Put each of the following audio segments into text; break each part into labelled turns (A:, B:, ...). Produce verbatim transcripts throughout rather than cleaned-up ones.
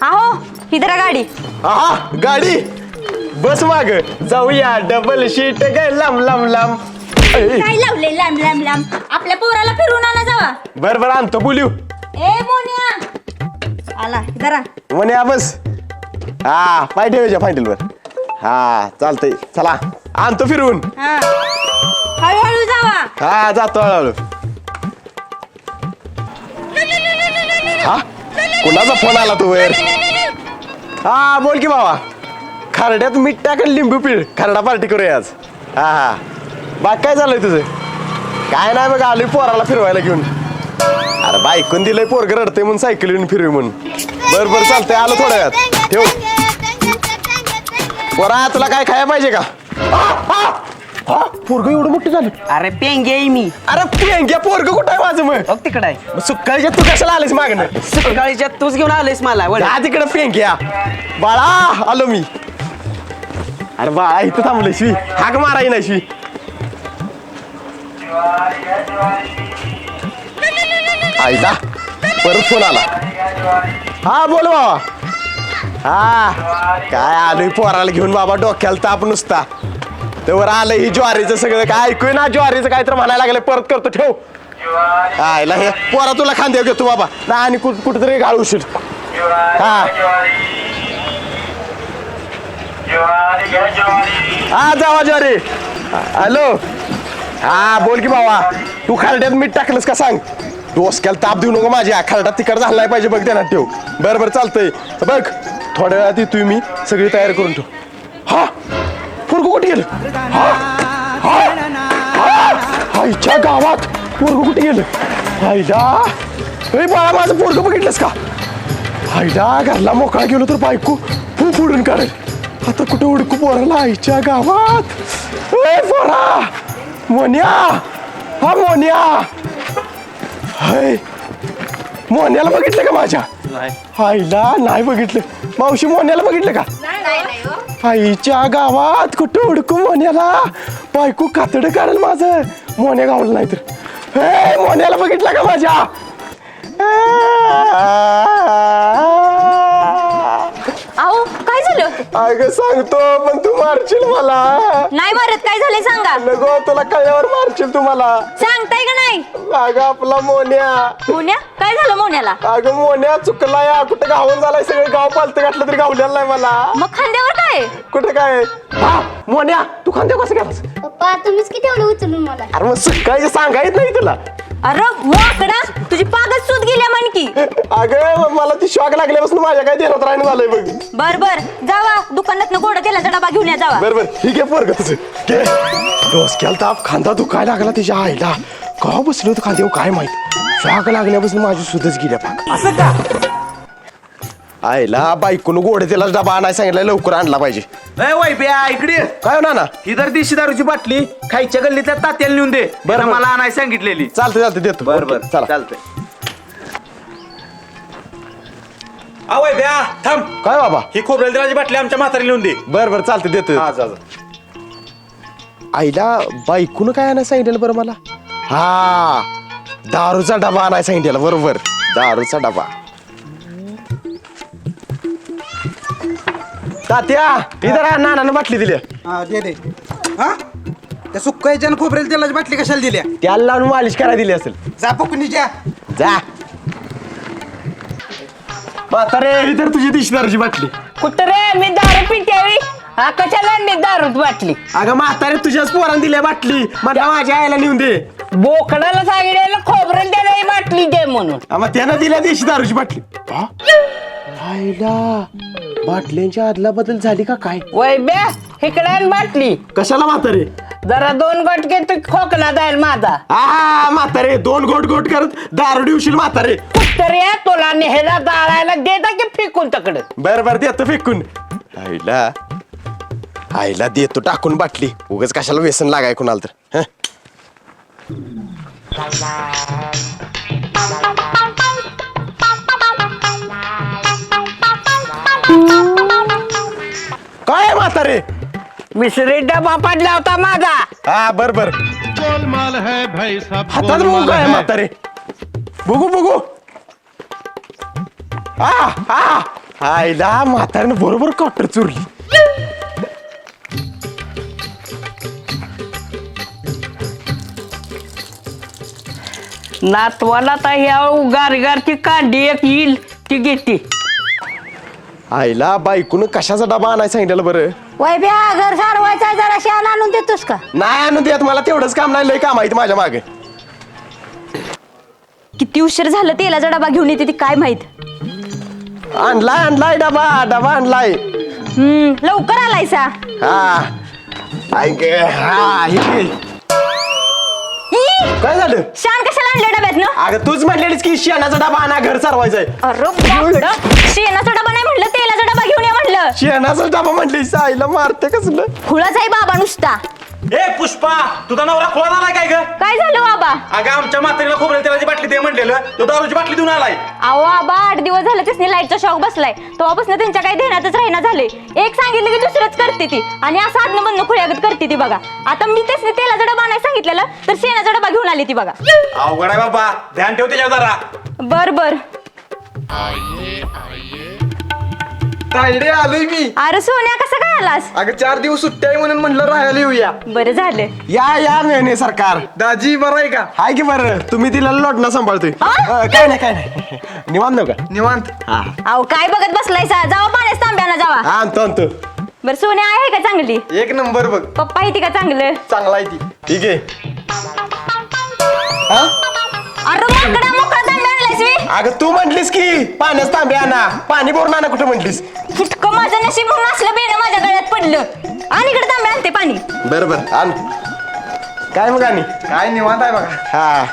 A: आहो इधर गाडी.
B: हा गाडी बस माग जाऊया डबल शीट ग लांब लांब लांब.
A: काय लावले लांब लांब लांब आपल्या पोराला फिरवून आणा जावा.
B: बर बर आणतो बोलू.
A: ए मोन्या आला इधर.
B: म्हणे बस हा पाय ठेवायच्या फायनल वर. हा चालतंय चला आणतो फिरवून.
A: हा हळूहळू जावा.
B: हा जातो हळूहळू. हा कुणाचा फोन आला तू वर. हा बोल की बाबा. खरड्यात मीठ टाक आणि लिंबू पिळ खरडा पार्टी करूया आज. हा हा बाग काय झालंय तुझं. काय नाही बघ आलोय पोराला फिरवायला घेऊन. अरे बायकून दिलंय पोरग रडते म्हणून सायकल येऊन फिरवी म्हणून. बर बर चालतंय आलो थोड्या वेळात ठेव. पोरा तुला काय खायला पाहिजे का. हा पोरग एवढं मोठं झालं.
C: अरे पेंगे आहे मी.
B: अरे पेंग्या पोरग कुठं आहे माझं मग.
C: बघ तिकडे आहे.
B: सुकाळीच्या तू कशाला आलीस मागणं.
C: सकाळीच्या तूच घेऊन आलेस मला वळ.
B: जा तिकडं पेंग्या. बाळा आलो मी. अरे बाळा इथं थांबलं शिवी हाक माराय ना शिवी. आईला परत फोन आला. हा बोल बाबा. हा काय आलोय पोराला घेऊन बाबा डोक्याला ताप नुसता. तेवर आलं ही ज्वारीचं सगळं काय ऐकूय ना ज्वारीचं काय तर म्हणायला लागलं परत करतो ठेव. आईला हे पोरा तुला खांद्यावर घेतो बाबा ना आणि कुठ कुठेतरी घालूशील. हा हा जावा ज्वारी. हॅलो हा बोल की बाबा. तू खारड्यात मीठ टाकलंस का सांग. डोसक्याला ताप देऊ नको माझ्या. खारडा तिकड झाला नाही पाहिजे बघ त्याला ठेव. बरं बरं चालतंय बघ थोड्या वेळात येतोय मी सगळी तयारी करून ठेव. हा पोरगं कुठे गेलं. हा हा आईच्या गावात पोरगं कुठे गेलं. आईला ए बाळा माझं पोरगं बघितलंस का. आईला घरला मोकळा गेलो तर बायको खूप उडून काढेल. आता कुठे उडकू पोराला आईच्या गावात. ए पोरा मोन्या. हा मोन्या. हाय मोन्याला बघितलं का माझ्या. आईला नाही बघितलं. मावशी मोन्याला बघितलं का. आईच्या गावात कुठं उडकू मोन्याला. बायको कातड काढेल माझं मोन्या गावलं नाही तर. हे मोन्याला बघितलं का माझ्या.
A: आहो काय झालं.
B: अगं सांगतो पण तू मारशील मला.
A: नाही मारत काय झालंय सांगा.
B: नको तुला कळल्यावर मारशील तू मला.
A: सांगताय का नाही.
B: अगं आपला मोन्या.
A: मोन्या काय झालं मोन्याला.
B: अगं मोन्या चुकलाय कुठं गावून झालाय सगळं गाव पालतं घातलं तरी गावलेलं नाही मला.
A: मग खांद्यावर काय.
B: कुठं काय. हा मोन्या तू खांद्या कसं गेलास.
D: पप्पा तुम्हीच किती एवढं उचलून मला.
B: अरे मग सकाळी सांगायच नाही तुला.
A: अरे वाकडा तुझी पागच सूत गेल्या म्हणकी.
B: अगं मला ती शॉक लागल्यापासून माझ्या काय देण्यात राहणं झालंय बघ.
A: बर बर जावा दुकानात गोड तेलाचा डबा घेऊन या जावा.
B: बरोबर ठीक आहे पोरग तुझं घे. डोसक्याला ताप खांदा दुखायला लागला तिच्या आईला. का बसलो होतं खांद्यावर काय माहित. शॉक लागल्यापासून माझी सुधच गेल्या पाक. असं का आईला बायकोनं गोडे तेलाच डबा आणायला सांगितलं लवकर आणला पाहिजे.
E: वैब्या इकडे
B: काय होणार ना.
E: ही तर देशी दारूची बाटली खायच्या गल्लीतल्या तात्याला नेऊन दे. बरं मला आणायला सांगितलेली.
B: चालतं चालतं देतो.
E: बरं बरं
B: चला
E: चालतंय. वैब्या थांब.
B: काय बाबा.
E: ही खोबरेल तेलाची बाटली आमच्या म्हातारी नेऊन दे.
B: बरं बरं चालतं देतो.
E: हा जा जा.
B: आईला बायकोनं काय आणायला सांगितलं बरं मला. हा दारूचा डबा आणायला सांगितलेला बरोबर. दारूचा डबा. तात्या इधर नानानं बाटली दिली.
F: हा दे दे. हा त्या सुक्कायच्या आणि खोबरेल तेलाची बाटली कशाला दिल्या.
B: त्याला लावून मालिश करायला दिली असेल.
F: जा पकुनीच्या.
B: जा म्हातारे इधर तुझी दिशदारूची बाटली.
C: कुठं रे मी दारू पिट्यावी. हा कशाला मी दारूत बाटली.
B: अगं म्हातारे तुझ्याच पोरानं दिल्या बाटली. मला माझ्या आईला नेऊन दे.
C: बोकडाला सांगितलेलं खोबरं त्याला बाटली दे म्हणून.
B: मग त्यानं दिल्या देशी दारूची बाटली. हा? आईला बाटल्यांच्या आदला बदल झाली का काय.
C: वैब्या इकडे बाटली.
B: कशाला म्हातारे.
C: जरा दोन गोट घेतो खोकला जाईल माझा.
B: हा म्हातारे दोन गोट गोट करत दारू दिवशील म्हातारे.
C: तरी तुला नेहला जाळायला देता की फेकून तकडे.
B: बर बर देतो फेकून. आईला आईला देतो टाकून बाटली. उगाच कशाला व्यसन लागाय कुणाला तर. काय म्हातारे.
C: मिसरी डबा पडला होता माझा.
B: हा बर बर
G: गोलमाल है भाई सब
B: हातात बघू काय म्हातारे. बघू बघू. आ आ आईला म्हाताऱ्यानं बरोबर कॉटर चुरली.
C: नातवाला तर ह्या गारगारची कांडी एक येईल ती घेते.
B: आईला बायकून कशाचा डबा आणायला सांगितलं बरं.
A: वय ब्या घर सारवायचा जरा शान आणून देतोस का?
B: नाही आणून देत मला तेवढंच काम नाही लय काम आहे माझ्या मागे.
A: किती उशीर झालं तेलाचा डबा घेऊन येते ती काय माहित.
B: आणलाय आणलाय डबा डबा आणलाय.
A: हम्म लवकर आलायसा.
B: हा ऐक हा हे
A: ई,
B: काय झालं.
A: शान कशाला आणले डब्यात ना?
B: अगं तूच म्हटलेलीस की शेणाचा डबा आणा घर सारवायचंय.
A: अरे बापडं, शेणाचा डबा नाही म्हणलं तेलाचा डबा घेऊन ये म्हणलं.
B: शेणाचा डबा म्हटलीस आईला मारते कसलं.
A: खुळाच आहे बाबा नुसता.
E: ए पुष्पा तुझा नवरा खोला आलाय काय ग?
A: काय झालं बाबा?
E: अगं आमच्या म्हातारीला खोबरेल तेलाची बाटली दे म्हणलेलं तो दारूची बाटली देऊन आलाय.
A: अहो बाबा आठ दिवस झाले त्यासनी लाईटचा शॉक बसलाय. तेव्हापासून त्यांच्या काही ध्यानातच राहिना झाले. एक सांगितलं की दुसरंच करते ती आणि असं आदन बंद खुळ्यागत करते ती बघा. आता मी त्यासनी तेलाचा डबा नाही सांगितलेला तर शेणाचा डबा घेऊन आली ती बघा.
E: अवघड आहे बाबा ध्यान ठेव त्याच्यावर जरा.
A: बर बर.
F: तायडे आलोय मी.
A: अरे सोन्या कसं काय आलास?
F: अगं चार दिवस सुट्टी आहे म्हणून म्हणलं राहायला येऊया.
A: बरं झालं.
B: या या मेहने सरकार.
F: दाजी बरं आहे का?
B: हाय की बरं तुम्ही तिला लोटणं सांभाळतोय.
A: हा?
B: अं, काय नाही काय नाही निवांत नव्ह का.
F: निवांत.
B: हा
A: अहो काय बघत बसलायसा? जावा पाण्यात तांब्याला जावा.
B: हा, आणतो आणतो.
A: बरं सोन्या आहे का चांगली?
F: एक नंबर बघ.
A: पप्पा आहे ती का चांगलं?
F: चांगला आहे ती.
B: ठीक आहे.
A: अरे मोकळा मोकळा तांब्या आणलायस मी.
B: अगं तू म्हटलीस की पाण्यात तांबे आणा पाणी भरून आणा कुठं म्हटलीस.
A: फुटकं माझं नशीब म्हणून असलं बेणं माझ्या गळ्यात पडलं. आणि इकडे तांब्या आणते पाणी.
B: बरं बरं आण. काय मग आणि
F: काय निवांत आहे बघा.
B: हा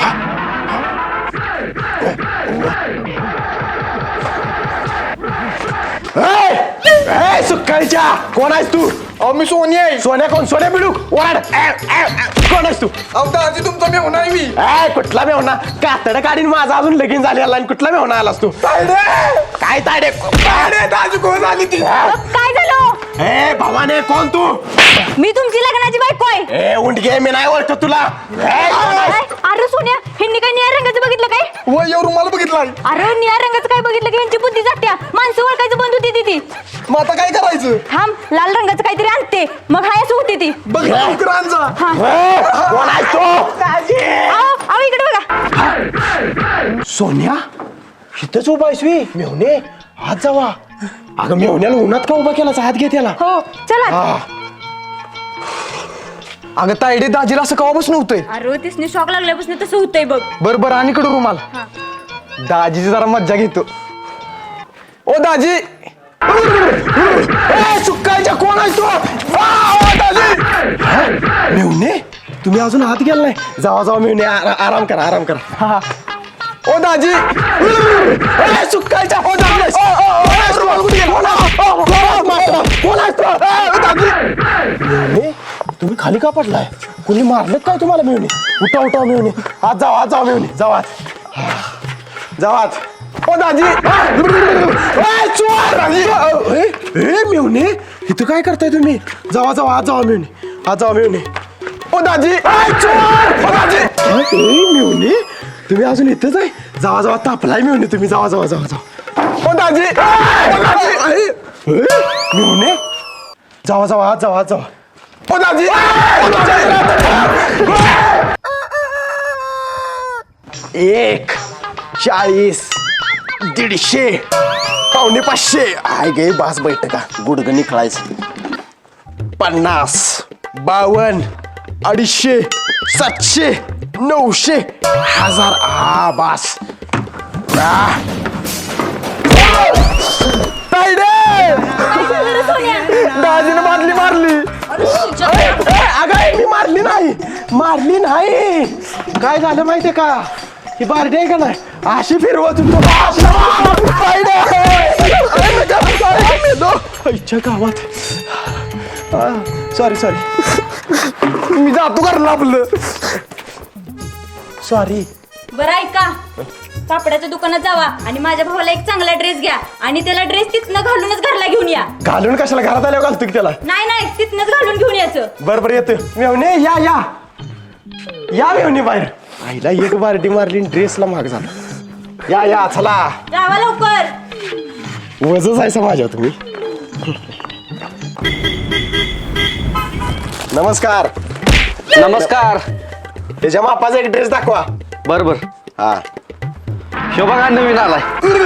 B: ए, ए, सुक्काळीच्या कोण आहेस तू.
F: अहो मी सोनी आहे.
B: सोन्या कोण सोन्या बिडू ओरड. ए, ए, ए, कोण आहेस तू.
F: अहो दाजी तुमचा मेहून आहे मी.
B: ए कुठला मेवना कातड काढीन माझा अजून लगीन झालेला आणि कुठला मेवना आलास तू. काय ताडे ताडे दाजू कोण आली ती.
A: काय झालं?
B: ए भवाने कोण तू.
A: मी तुमची लग्नाची बायको आहे.
B: ए उंडगे मी नाही ओळखत तुला. ए, कोण आहेस?
A: अरे सोन्या ह्यांनी काय निळ्या रंगाचं बघितलं काय?
F: वय एवढं मला बघितलाय.
A: अरे निळ्या रंगाचं काय बघितलं की यांची बुद्धी जात्या. माणसं ओळखायचं बंद होती ती.
F: मग आता काय करायचं.
A: थांब लाल रंगाचं काहीतरी आणते मग हाय असं होती ती.
F: बघ लवकर आण जा.
B: ए, कोण आहेस तू.
A: अहो अहो इकडे बघा.
B: सोन्या इथंच उभा आहेस वी मेवणे हात जावा. अगं मेवण्याला उन्हात का उभा केला हात घे त्याला.
A: हो चला.
B: हा
F: अगं तायडे दाजीला असं कवापासून होतंय.
A: अरे तिसने शॉक लागल्यापासून तसं होतंय बघ.
F: बर बर आणि कडू रुमाल. दाजीची जरा मज्जा घेतो. ओ दाजी.
B: ए, सुक्काळीच्या कोण आहेस तू. आ, ओ, दाजी. हा, मेवणे तुम्ही अजून हात गेला नाही. जावा जावा मेवणे आरा- आराम करा आराम करा.
F: हा ओ दाजी.
B: ए, सुक्काळीच्या कोण आहेस? कोण आहेस तू? कोण आहेस? कोण आहेस तू? ए, दाजी. मेवणे तुम्ही खाली का पडलाय. कोणी मारलं काय तुम्हाला मेवणे. उठा उठा मेवणे हात जावा हात जावा मेवणे जावा जावा.
F: ओ दाजी.
B: ए, चोर! ए, ए, मेवणे इथं काय करताय तुम्ही. जावा जावा हात जावा मेवणे हात जावा मेवणे.
F: ओ दाजी.
B: ए, चोर! ओ, दाजी. ए, मेवणे तुम्ही अजून इथंच आहे. जावा जावा तापलाय मेवणे तुम्ही जावा जावा जावा जावा.
F: ओ दाजी.
B: ओ, दाजी. ए, ए, मेवणे जावा जावा हात जावा हात जावा.
F: ओ दाजी.
B: एक चाळीस दीडशे पावणे पाचशे आय गे बास बैठ का गुडग निखळायचं. पन्नास बावन्न अडीचशे सातशे नऊशे हजार आ बास. आ. तायडे दाजीने बादली मारली. ए, ए, अगं मी मारली नाही मारली नाही. काय झालं माहितीये का ही बारडी आहे का नाही अशी फिरवत होतो गावात. सॉरी सॉरी
F: मी जातो घरला आपलं.
B: सॉरी.
A: बरं ऐका कापडाच्या दुकानात जावा आणि माझ्या भावाला एक चांगला ड्रेस घ्या आणि त्याला ड्रेस तिथनं घालूनच घरला घेऊन या.
B: घालून कशाला घरात आल्यावर घालतो की त्याला.
A: नाही नाही तिथनंच घालून घेऊन यायचं.
B: बरं बरं येतो मेवणे या या या मेवणे बाहेर. आईला एक बारडी मारली ड्रेसला महाग झाला. या या चला.
A: जावा लवकर.
B: वजच आहे माझ्या तुम्ही. नमस्कार.
F: नमस्कार.
B: त्याच्या मापाचा एक ड्रेस दाखवा.
F: बर बर.
B: हा
F: शो बघा नवीन आलाय.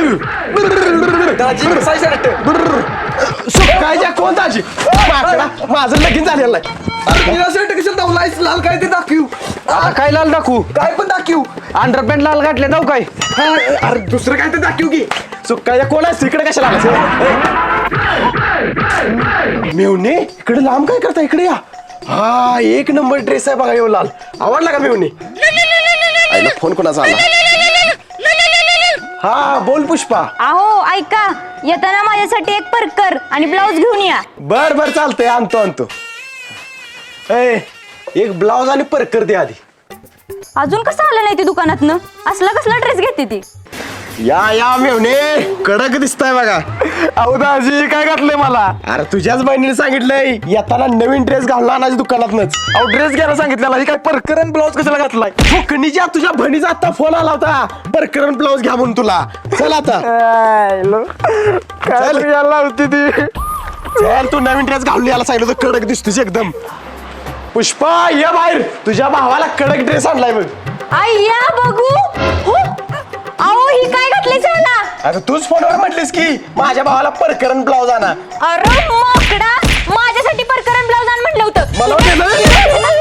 B: सुकायच्या कोण दाजी माकडा, माझं लगीन झालेलं आहे.
F: लाल काय ते दाखवू. आता काय लाल दाखवू.
B: काय पण दाखवू.
F: अंडरपॅन्ट लाल घातले जाऊ काय.
B: अरे दुसरं काय तर दाखवू की. सुकायच्या कोण आहे इकडे कशाला आलास? मेवणे इकडे लांब काय करता, इकडे या. हा एक नंबर ड्रेस आहे बघा, एवढा लाल. आवडला का मेवणे? आईला फोन कोणाचा आला? हा बोल पुष्पा.
A: अहो ऐका, येताना माझ्यासाठी एक परकर आणि ब्लाऊज घेऊन या.
B: बर बर चालतंय, आणतो आणतो. ए एक ब्लाऊज आणि परकर दे आधी.
A: अजून कसं आलं नाही ती दुकानातनं? असला कसला ड्रेस घेते ती?
B: या या मेवणे कडक दिसताय बघा.
F: अहो दाजी काय घातलंय मला.
B: अरे तुझ्याच बहिणीने सांगितलंय येताना नवीन ड्रेस घालून आणायची दुकानातनच.
F: अहो ड्रेस घ्यायला सांगितलेला ही काय परकरन ब्लाऊज कशाला घातलाय.
B: फुकणीच्या तुझ्या बहिणीचा आता फोन आला होता, परकरन ब्लाऊज घ्या म्हणून तुला. चल आता
F: काय यायला होती ती.
B: चल तू नवीन ड्रेस घालून यायला सांगितलं होतं, कडक दिसतोस एकदम. पुष्पा ये बाहेर, तुझ्या भावाला कडक ड्रेस आणलाय बघ.
A: आय्या बघू. हो. अहो ही काय घातली त्याला?
B: आता तूच फोनवर म्हटलीस की माझ्या भावाला परकरन ब्लाऊज आणा.
A: अरे माकडा, माझ्यासाठी परकर ब्लाऊज आण म्हटलं होतं.
B: मला वाटलं